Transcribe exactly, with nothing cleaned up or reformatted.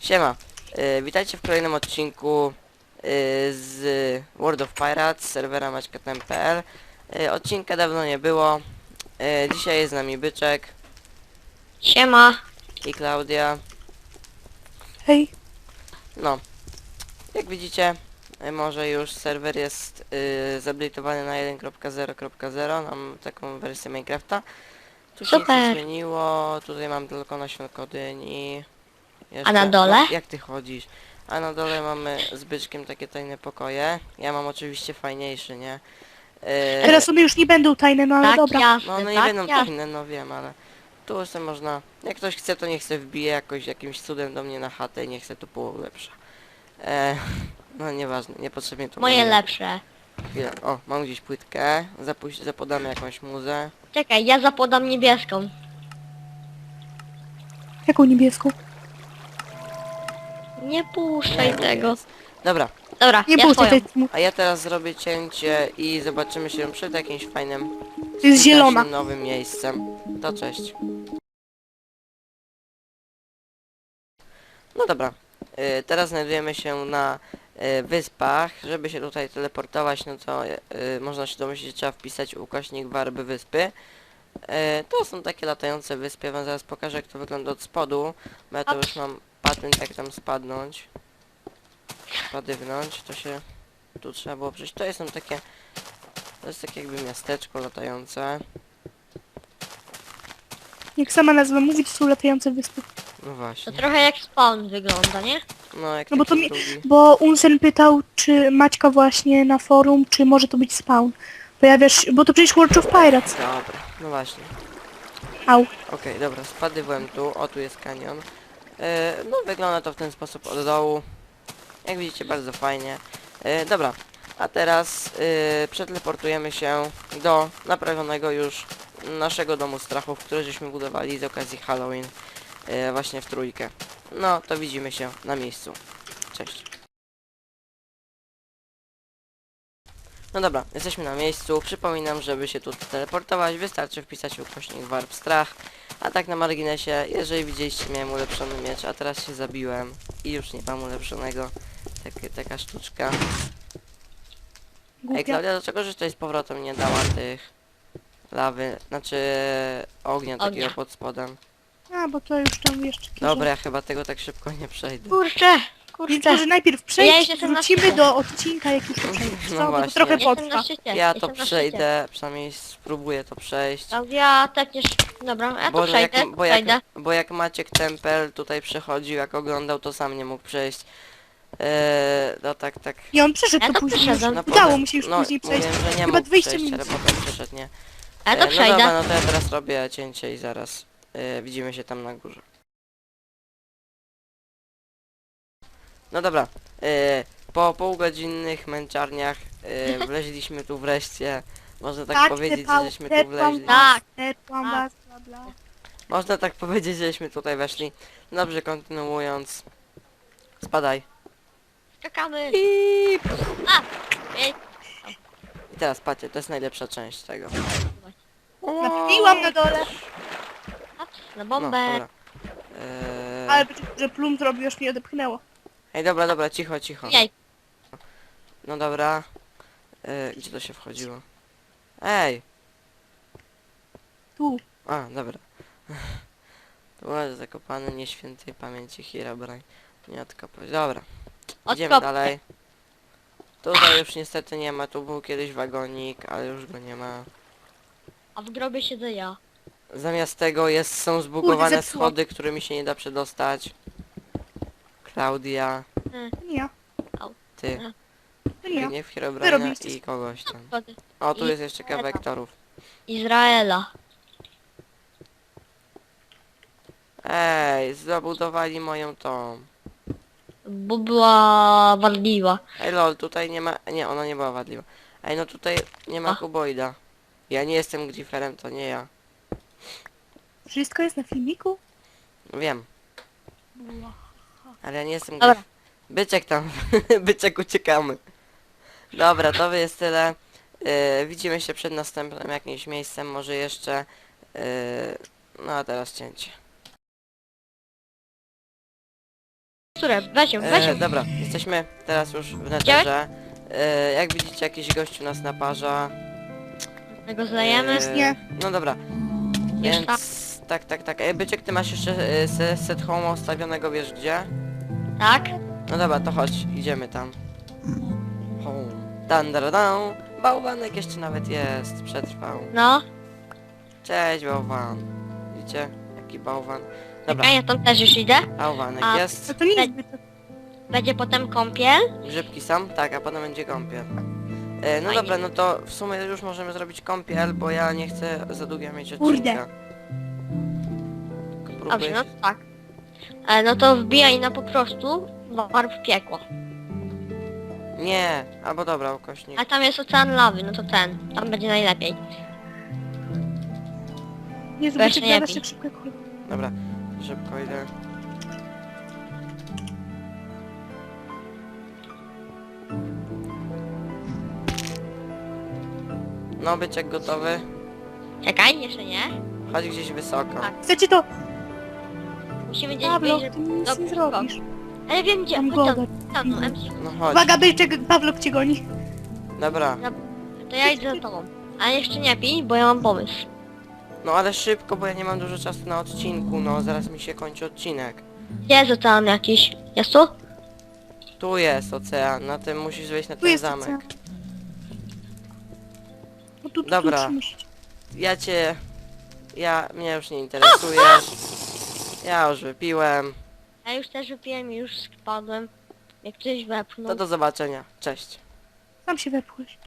Siema, y, witajcie w kolejnym odcinku y, z World of Pirates, serwera maćkatem kropka p l. y, Odcinka dawno nie było. y, Dzisiaj jest z nami Byczek Siema. i Klaudia. Hej, No, jak widzicie, y, może już serwer jest y, zupdate'owany na jeden kropka zero kropka zero. Mam taką wersję Minecrafta. Tu się nic nie Super. zmieniło, tutaj mam tylko nasionko dyni. Jeszcze, A na dole? No, jak ty chodzisz? A na dole mamy z Byczkiem takie tajne pokoje. Ja mam oczywiście fajniejszy, nie? Yy, teraz one już nie będą tajne, no ale Tak dobra. jasne, no one nie tak będą jasne. tajne, no wiem, ale tu sobie można... Jak ktoś chce, to niech se wbije jakoś jakimś cudem do mnie na chatę i niech se tu polepsza. E, no nieważne, niepotrzebnie to Moje mówię. lepsze. Chwilę. O, mam gdzieś płytkę. Zapuść, zapodamy jakąś muzę. Czekaj, ja zapodam niebieską. Jaką niebieską? Nie puszczaj Nie, tego. jest. Dobra, Dobra, Nie ja puszczaj swoją. tej mu- a ja teraz zrobię cięcie i zobaczymy się przed jakimś fajnym, To jest zielona. skutecznym nowym miejscem. To cześć. No dobra, y, teraz znajdujemy się na y, wyspach. Żeby się tutaj teleportować, no to y, można się domyślić, że trzeba wpisać ukośnik warby wyspy. Y, to są takie latające wyspy, ja wam zaraz pokażę, jak to wygląda od spodu, bo ja to już mam patent, jak tam spadnąć. Spadywnąć, to się tu trzeba było przejść. To są takie, to jest takie jakby miasteczko latające. Jak sama nazwa mówi, to są latające wyspy. No To właśnie, trochę jak spawn wygląda, nie? no jak No bo taki to mi, drugi. bo Unsen pytał, czy Maćka właśnie na forum, czy może to być spawn. Pojawiasz, bo to przecież World of Pirates. Dobra, no właśnie. Au. Okej, dobra, spadłem tu, o tu jest kanion. E, no wygląda to w ten sposób od dołu. Jak widzicie, bardzo fajnie. E, dobra, a teraz e, przeteleportujemy się do naprawionego już naszego domu strachów, który żeśmy budowali z okazji Halloween e, właśnie w trójkę. No, to widzimy się na miejscu. Cześć. No dobra, jesteśmy na miejscu. Przypominam, żeby się tu teleportować, wystarczy wpisać ukośnik warp strach. A tak na marginesie, jeżeli widzieliście, miałem ulepszony miecz, a teraz się zabiłem i już nie mam ulepszonego. Takie, taka sztuczka. Ej, Głupia. Klaudia, dlaczego żeś tutaj z powrotem nie dała tych lawy, znaczy ognia takiego Ognia. pod spodem? A, bo to już tam jeszcze kiedyś. Dobra, ja chyba tego tak szybko nie przejdę. Kurczę, Więc kurczę. może najpierw Ja przejść, już jestem na wrócimy szczycie. do odcinka, jak już przejdziesz. No Co? Bo to właśnie. trochę Jestem potrwa. na szczycie. Ja to jestem na szczycie. przejdę, przynajmniej spróbuję to przejść. Ja tepniesz. Dobra, ja to Bo przejdę, jak, bo, jak, przejdę. bo jak Maciek Tempel tutaj przechodził, jak oglądał, to sam nie mógł przejść. Eee, no tak, tak. I on przeszedł Ja to to później. przeszedłem. No, Udało potem- mu się już no, później przejść. Mówiłem, że nie Chyba mógł dwadzieścia przejść, minut. ale potem przeszedł, nie? A ja Eee, to no przejdę. dobra, no to ja teraz robię cięcie i zaraz eee, widzimy się tam na górze. No dobra, eee, po półgodzinnych męczarniach eee, wleźliśmy tu wreszcie. Można tak, powiedzieć, tepał, żeśmy tu tepłam wleźli. was, Tak. tepłam Tak. was, bla bla. Można tak powiedzieć, żeśmy tutaj weszli. Dobrze, kontynuując. Spadaj. Skakamy. I, Ej, I teraz patrzcie, to jest najlepsza część tego. Napiłam na dole, na No, bombę. dobra. Eee... ale że plum zrobił, już mnie odepchnęło. Ej, dobra, dobra, cicho, cicho. Jej. No dobra. Eee, gdzie to się wchodziło? Ej! Tu. A, dobra. Tu jest zakopany nieświętej pamięci Herobrine. Nie odkopać. Dobra. Idziemy Odkopkę. dalej. Tutaj już niestety nie ma, tu był kiedyś wagonik, ale już go nie ma. A w grobie siedzę ja. Zamiast tego jest, są zbugowane zepsuło. schody, którymi się nie da przedostać. Klaudia, To nie ja, ty, to nie ja. nie w Wy Herobrina robiliście. i kogoś tam. Schody. O, tu I- jest jeszcze kawałek torów. Izraela. Ej, zabudowali moją tą. Bo była wadliwa. Ej lol, tutaj nie ma... Nie, ona nie była wadliwa. Ej, no tutaj nie ma A. kuboida. Ja nie jestem Grifferem, to nie ja. Wszystko jest na filmiku? Wiem, ale ja nie jestem Dobra. Grif... Byczek tam, byczek uciekamy. Dobra, to jest tyle. Yy, widzimy się przed następnym jakimś miejscem, może jeszcze... Yy, no a teraz cięcie. teksturę, weź ją, weź E, ją. dobra, jesteśmy teraz już w netherze. E, jak widzicie, jakiś gościu nas naparza. Tego zlejemy. E, Nie. No dobra, Wiesz więc tak. tak, tak, tak. E, Byczek, ty masz jeszcze e, se- set home ustawionego, wiesz gdzie? Tak? No dobra, to chodź, idziemy tam. Home. Dan, dan, dan. Bałwanek jeszcze nawet jest, przetrwał. No. Cześć, bałwan. Widzicie? Jaki bałwan. Dobra, Czekaj, ja tam też już idę. bałwanek A- No jest. to nie jest zbyt... Będzie potem kąpiel. Grzybki sam? Tak, a potem będzie kąpiel. E, no Fajnie. dobra, no to w sumie już możemy zrobić kąpiel, bo ja nie chcę za długo mieć Kurde. odcinka. Tylko Dobrze, próbuję no się- tak. E, no to wbijaj na po prostu warp piekło. Nie, albo dobra, ukośnik. A tam jest ocean lawy, no to ten. Tam będzie najlepiej. Nie Weź zobaczycie, nie gadasz bij. tak szybko jak chuj. Dobra, szybko idę. No, byczek gotowy. Czekaj, jeszcze nie. Chodź gdzieś wysoko. Tak. Chcecie to... Musimy gdzieś Pawlo, wyjść, ty mi nic Dobrze, nie zrobisz. ale wiem gdzie. Mam Chodź tam, godę. tam, no, M C. No chodź. Uwaga, byczek, Pawlok cię goni. Dobra. To ja idę za tobą. Ale jeszcze nie pij, bo ja mam pomysł. No ale szybko, bo ja nie mam dużo czasu na odcinku, no zaraz mi się kończy odcinek. Gdzie jest ocean jakiś? Jest tu? Tu jest ocean, na tym musisz wejść na Tu ten jest zamek. ocean. No tu, tu, Dobra. tu musicie. Ja cię... Ja... mnie już nie interesuje. Ja już wypiłem. Ja już też wypiłem i już spadłem. Jak ktoś wepchnął. To do zobaczenia. Cześć. Sam się wepchłeś.